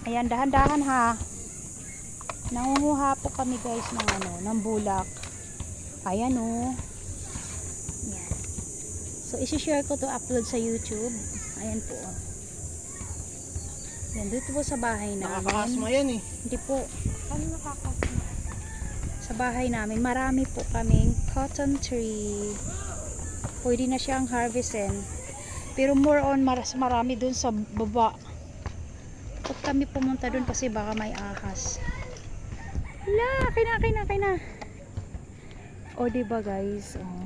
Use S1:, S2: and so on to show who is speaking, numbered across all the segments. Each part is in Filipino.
S1: Ayan, dahan-dahan ha. Nangunguha po kami guys ng ng bulak. Ayan oh. Ayan. So, isi-share ko to, upload sa YouTube. Ayan po. Yan, dito po sa bahay namin.
S2: Nakakasma yan eh.
S1: Hindi po. Ano nakakasma? Sa bahay namin, marami po kaming cotton tree. Pwede na siyang harvestin. Pero more on, marami dun sa baba. Huwag kami pumunta dun kasi baka may ahas. Hala, kina. O, diba guys? Oh.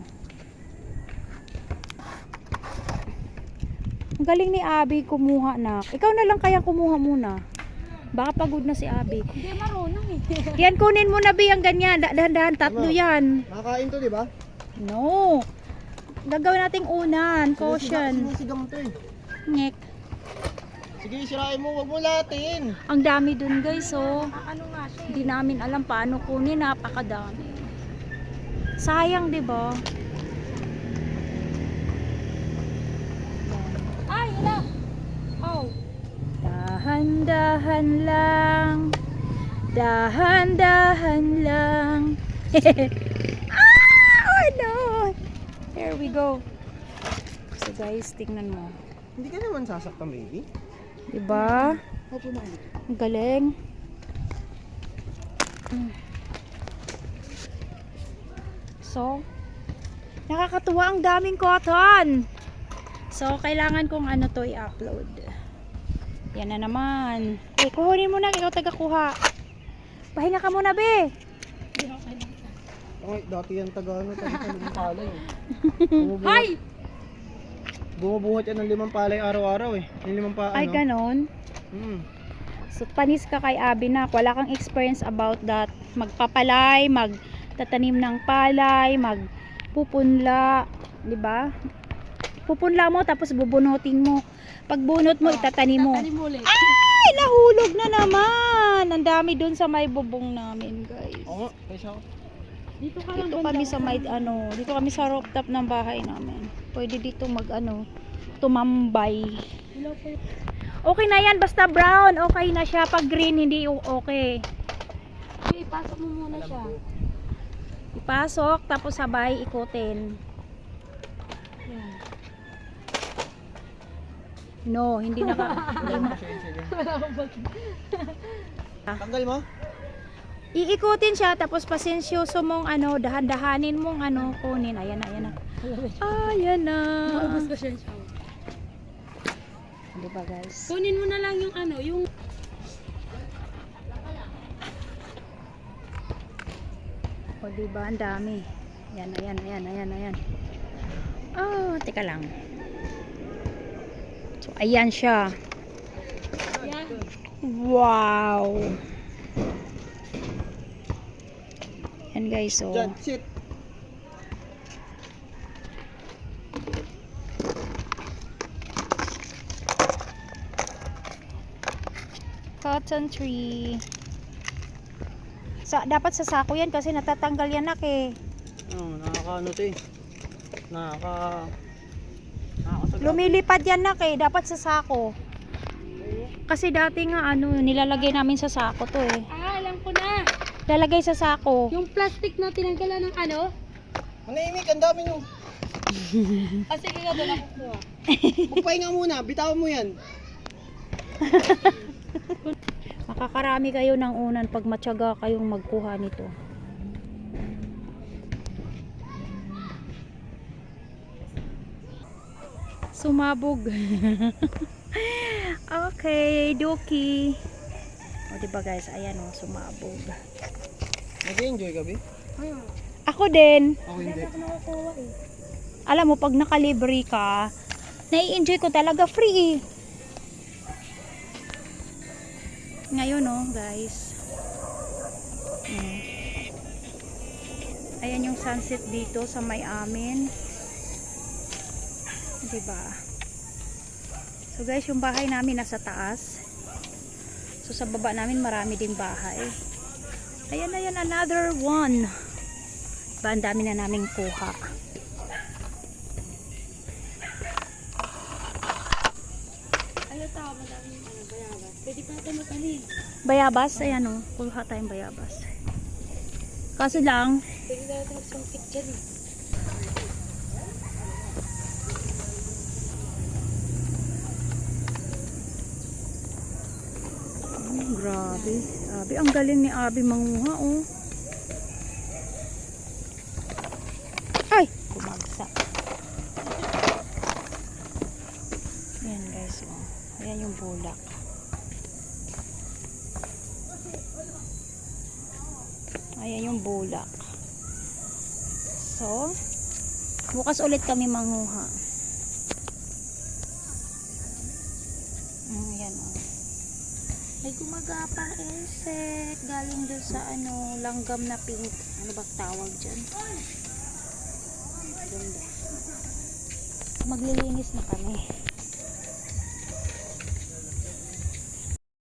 S1: Ang galing ni Abby kumuha na. Ikaw na lang kaya kumuha muna. Baka pagod na si Abby.
S3: Hindi marunong eh.
S1: Yan, kunin mo na Bi ang ganyan. Dahan-dahan, tatlo yan.
S2: Nakakain to, di ba?
S1: No. Gagawin nating unan. Caution.
S2: Sinusigang to eh.
S1: Ngek.
S2: Sige, sirain mo. Wag mo latin.
S1: Ang dami dun guys, oh.
S3: Ano nga siya
S1: Hindi namin alam paano kunin. Napakadami. Sayang, di ba?
S3: Ay, hala. Oh.
S1: Dahan-dahan lang. Dahan-dahan lang. Oh no. Here we go. So guys, tingnan mo.
S2: Hindi ka naman sasaktan, baby.
S1: Diba?
S2: Opo na.
S1: Ang galing. So, nakakatuwa, ang daming cotton. So, kailangan kong to i-upload. Yan na naman. Eh, kuhunin mo na, ikaw taga-kuha. Pahinga ka muna, be.
S2: Ay, dati yan taga limang palay.
S3: Hay!
S2: Bumubuhat yan ng 5 palay araw-araw eh. Yung 5
S1: Ay, ganon. So, panis ka kay Abby na. Wala kang experience about that. Magpapalay, magtatanim ng palay, magpupunla. Diba? Pupunla mo, tapos bubunutin mo. Pag bunot mo, itatanim mo.
S3: Tatanim mo ulit.
S1: Ay, nahulog na naman. Ang dami dun sa may bubong namin, guys.
S2: Oo, kaysa ako.
S3: Dito ka lang
S1: Dito kami sa may dito kami sa rooftop ng bahay namin. Pwede dito tumambay. Okay na yan, basta brown, okay na siya. Pag green, hindi okay.
S3: Okay, pasok mo muna siya.
S1: Ipasok, tapos sabay ikutin.
S3: Yan.
S1: No, hindi na ka.
S2: Sige. Tanggal mo?
S1: Iikutin siya, tapos pasensyoso mong dahan-dahanin mong kunin. Ayan na. Ayan na.
S3: Maubos ko siya.
S1: Diba guys?
S3: Kunin mo na lang yung yung...
S1: O diba, ang dami. Ayan. Oh, teka lang. So, ayan siya.
S3: Yan.
S1: Wow! Yan guys, so.
S2: Diyan, sit.
S1: Cotton tree. Dapat sa sako yan kasi natatanggal yan eh.
S2: Nakakaano to eh. Nakakasagap.
S1: Lumilipad yan eh. Dapat sa sako. Kasi dati nga nilalagay namin sa sako to eh.
S3: Ah, alam ko na.
S1: Lalagay sa sako.
S3: Yung plastic na tinanggalan ng
S2: Manahimik, ang dami nyo.
S3: sige ka doon ako kuha.
S2: Magpahinga muna, bitawan mo yan.
S1: Makakarami kayo ng unan pag matyaga kayong magkuha nito. Sumabog. Okay, Doki. O diba guys, ayan sumabog.
S2: Nag-enjoy ka, Bi?
S1: Ako din.
S2: Ako hindi.
S3: Nakukuha eh.
S1: Alam mo, pag nakalibre ka, nai-enjoy ko talaga free eh. Ngayon guys. Ayan yung sunset dito sa may amin. Diba? So guys, yung bahay namin nasa taas. So sa baba namin marami ding bahay. Ayan, another one. Diba, ang dami na naming kuha.
S3: Ano tao, madaming bayaran. Pwede Tatanong kami.
S1: Bayabas, ayan o. Kuha tayong bayabas. Kaso lang,
S3: Pwede na natin magsungkit dyan eh.
S1: grabe. Grabe, ang galing ni Abby manguha oh. Ay! Kumagsak. Ayan guys oh. Ayan yung bulak. Ayan yung bulak. So, bukas ulit kami manguha. Ayan oh. May gumagapang insect galing doon sa ano, langgam na pink. Ano ba tawag dyan? Ganda. Maglilinis na kami.